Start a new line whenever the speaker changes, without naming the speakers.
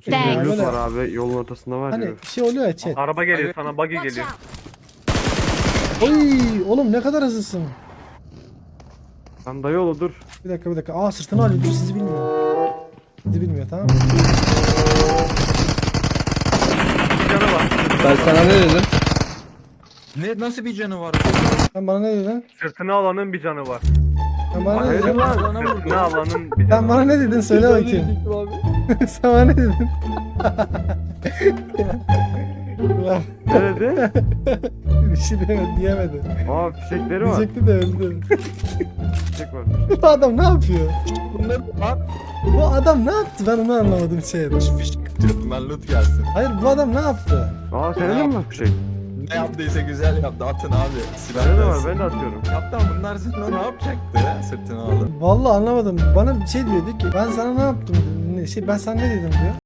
ki.
Thanks.
Yani
Loot
böyle,
var abi yolun ortasında var
hani
ya.
şey oluyor ya chat.
Araba geliyor sana, buggy
Watch
geliyor.
out.
Oy oğlum ne kadar hızlısın.
Sen dayı oğlu dur.
Bir dakika. Aa sırtını alıyor. Dur sizi bilmiyor. Sizi bilmiyor tamam mı?
Bir canı var.
Ben sana ne dedim?
Ne nasıl bir canı var?
Sen bana ne dedin?
Sırtını alanın bir canı var.
Sen bana ne
Hayır
dedin?
lan.
Sırtını alanın bir
Sen
canı
bana
var.
ne dedin? Söyle bakayım. Sen bana ne dedin? Ulan,
Ne dedi?
bir şey diyemedi.
Aa fişekleri var.
Diyecekti de öldü.
Fişek var.
Bu adam ne yapıyor?
Bunları lan.
Bu adam ne yaptı? Ben onu anlamadım şey.
Fişek atıyordum ben loot gelsin.
Hayır bu adam ne yaptı?
Aa senin de mi var fişek?
Ne yaptıysa güzel yaptı. Atın abi. Silah
Bende de var
gelsin.
ben de atıyorum.
Yaptı ama bunlar seninle ne yapacaktı sırtını alıp?
Vallahi anlamadım. Bana bir şey diyordu ki ben sana ne yaptım? Ben sana ne dedim diyor.